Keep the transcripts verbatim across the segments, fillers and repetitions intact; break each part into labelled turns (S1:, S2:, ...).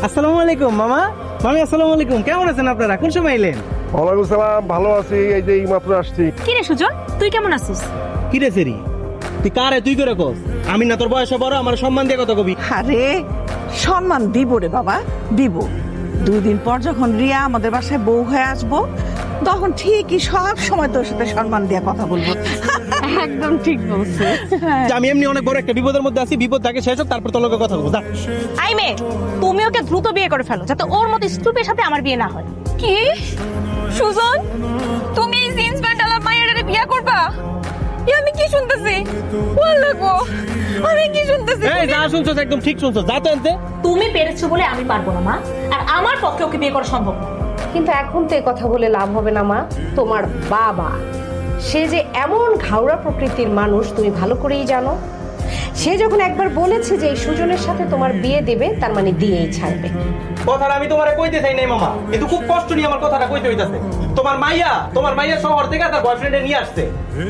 S1: আসসালামু আলাইকুম মামা। মামি আসসালামু আলাইকুম, কেমন আছেন আপনারা? কোন সময় এলেন?
S2: ওয়ালাইকুম সালাম, ভালো আছি, এই যে এইমাত্র আসছি।
S3: কি রে সুজন, তুই কেমন আছিস?
S1: কি রে সেরি, তুই কারে তুই করে কস? আমি না তোর বয়সে বড়, আমার সম্মান দিয়ে কথা কবি।
S4: আরে সম্মান দিব রে বাবা, দিব। দুই দিন পর যখন রিয়া আমাদের বাসায় বউ হয়ে আসবো, তখন ঠিকই সব সময় তোর সাথে সম্মান দিয়ে কথা বলবো।
S3: একদম ঠিক বলছিস।
S1: যে আমি এমনি অনেক বড় একটা বিপদের মধ্যে আছি, বিপদ থাকে শেষ হোক, তারপর তোর লগে কথা বলবো। যা।
S3: আই মে, তুমি ওকে দ্রুত বিয়ে করে ফেলো যাতে ওর মতো স্টুপের সাথে আমার বিয়ে না হয়। কি সুজন, তুমি এই জিন্স প্যান্ট আলা মাইয়ারে বিয়ে করবা? এ আমি কি শুনতেছি? বল গো, আমি কি শুনতেছি?
S1: এই যা শুনছস একদম ঠিক শুনছস, যা তো আনতে।
S5: তুমি পেরেছো বলে আমি পারবো না মা, আর আমার পক্ষে ওকে বিয়ে করা সম্ভব না।
S6: কিন্তু এখন তো এ কথা বলে লাভ হবে না মা। তোমার বাবা সে যে এমন ঘাওড়া প্রকৃতির মানুষ তুমি ভালো করেই জানো। সে যখন একবার বলেছে যে এই সুজনের সাথে তোমার বিয়ে দেবে, তার মানে দিয়েই ছাড়বে।
S1: কথাটা আমি তোমারে কইতে চাই নাই মামা, কিন্তু খুব কষ্ট নিয়ে আমার কথাটা কইতে হইতাছে। তোমার মাইয়া তোমার মাইয়া শহর থেকে তার বয়ফ্রেন্ডে নিয়ে আসছে,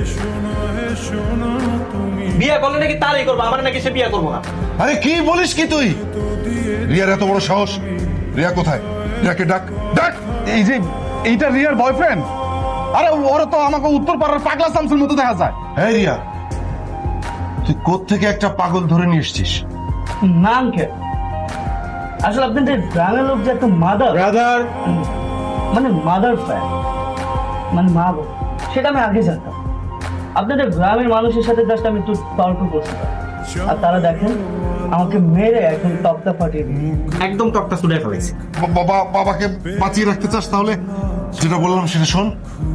S1: বিয়ে করলে নাকি তারই করবো, আমার নাকি সে বিয়ে করবো না।
S2: আরে কি বলিস কি তুই? রিয়ার এত বড় সাহস! রিয়া কোথায়? রিয়াকে ডাক, ডাক।
S7: এই যে এইটা রিয়ার বয়ফ্রেন্ড? আরে ওরা তো আমাকে উত্তর পাড়ার পাগলা শামসুর মতো দেখা যায়।
S2: হ্যাঁ রিয়া, তুই কোত্থেকে একটা পাগল ধরে নিয়ে এসছিস?
S8: না আঙ্কেল, আসলে আপনাদের গ্রামের লোক যে একটা মাদার
S1: ব্রাদার,
S8: মানে মাদার ফ্যান, মানে মা বোন, সেটা আমি আগে জানতাম। আপনাদের গ্রামের মানুষের সাথে জাস্ট আমি একটু তর্ক করছিলাম, আর তারা দেখেন আমাকে মেরে এখন তক্তা ফাটিয়ে দিল।
S1: একদম টকটা ছুড়ে ফেলেছে।
S2: বাবা, বাবাকে বাঁচিয়ে রাখতে চাস তাহলে যেটা বললাম সেটা শোন।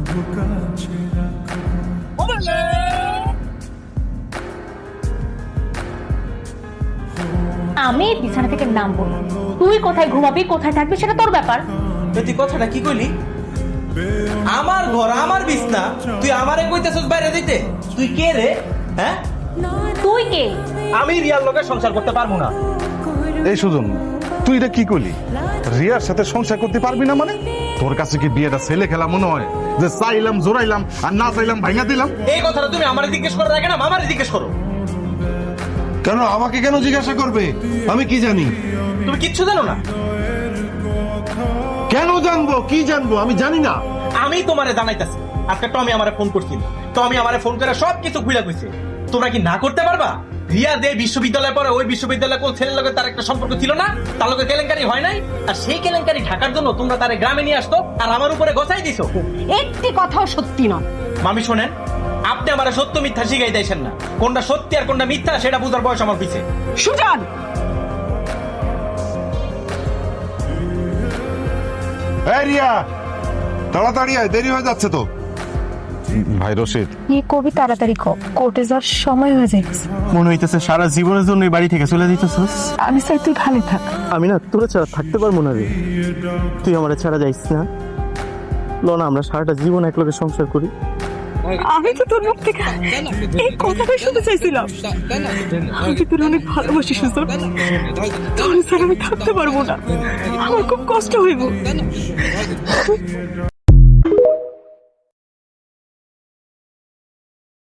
S5: আমি এই বিছানা থেকে নামবো না। তুই কোথায় ঘুমাবি, কোথায় থাকবি সেটা তোর ব্যাপার।
S1: তুই কথাটা কি কইলি? আমার ঘর আমার বিছনা, তুই আমারে কইতেছস বাইরে দিতে? তুই কে রে? হ্যাঁ,
S5: তুই কে?
S1: আমি রিয়ার লোকের সংসার করতে পারবো না।
S7: এই সুজন, তুই এটা কি করলি? রিয়ার সাথে সংসার করতে পারবি না মানে? তোর কাছে কি বিয়েটা ছেলে খেলা মনে হয় যে চাইলাম জোরাইলাম আর না চাইলাম ভাঙা দিলাম?
S1: এই কথাটা তুমি আমারে জিজ্ঞেস করে রাখে না, মামারে জিজ্ঞেস করো।
S2: কেন আমাকে কেন জিজ্ঞাসা করবে? আমি কি জানি?
S1: তুমি কিচ্ছু জানো না।
S2: কেন জানবো? কি জানবো? আমি জানি না।
S1: আমি তোমারে জানাইতাছি, আজকে টমি আমারে ফোন করছিল। টমি আমারে ফোন করে সব কিছু খুইলা কইছে। তোমরা কি না করতে পারবা? রিয়া যে বিশ্ববিদ্যালয়ে পড়ে, ওই বিশ্ববিদ্যালয়ে কোন ছেলের লগে তার একটা সম্পর্ক ছিল না, তার লগে কেলেঙ্কারি হয় নাই, আর সেই কেলেঙ্কারি ঢাকার জন্য তোমরা তারে গ্রামে নিয়ে আসতো আর আমার উপরে গছাই দিছো।
S6: একটি কথাও সত্যি নয়।
S1: মামি শোনেন, আপনি আমারে সত্য মিথ্যা শিখাই দিয়েছেন না। কোনটা সত্যি আর কোনটা মিথ্যা সেটা বুঝার বয়স আমার পিছে।
S4: সুজন,
S2: এই রিয়া, তাড়াতাড়ি আয়, দেরি হয়ে যাচ্ছে তো।
S7: ভাই রশিদ,
S3: এই কবি তাড়াতাড়ি কর, কোর্টে যাওয়ার সময় হয়ে যাচ্ছে।
S1: মনে হইতেছে সারা জীবনের জন্য এই বাড়ি থেকে চলে দিতেছস।
S3: আমি চাই তুই ভালো থাক।
S1: আমি না তোরা ছাড়া থাকতে পারবো না রে। তুই আমার ছাড়া যাইস না। লো না, আমরা সারাটা জীবন একলগে সংসার করি।
S4: আমি তো তোর মুখ থেকে এই কথাটাই শুনতে চাইছিলাম। আমি তোর অনেক ভালোবাসি সুজন, তোর ছাড়া আমি থাকতে পারবো না, আমার খুব কষ্ট হইব।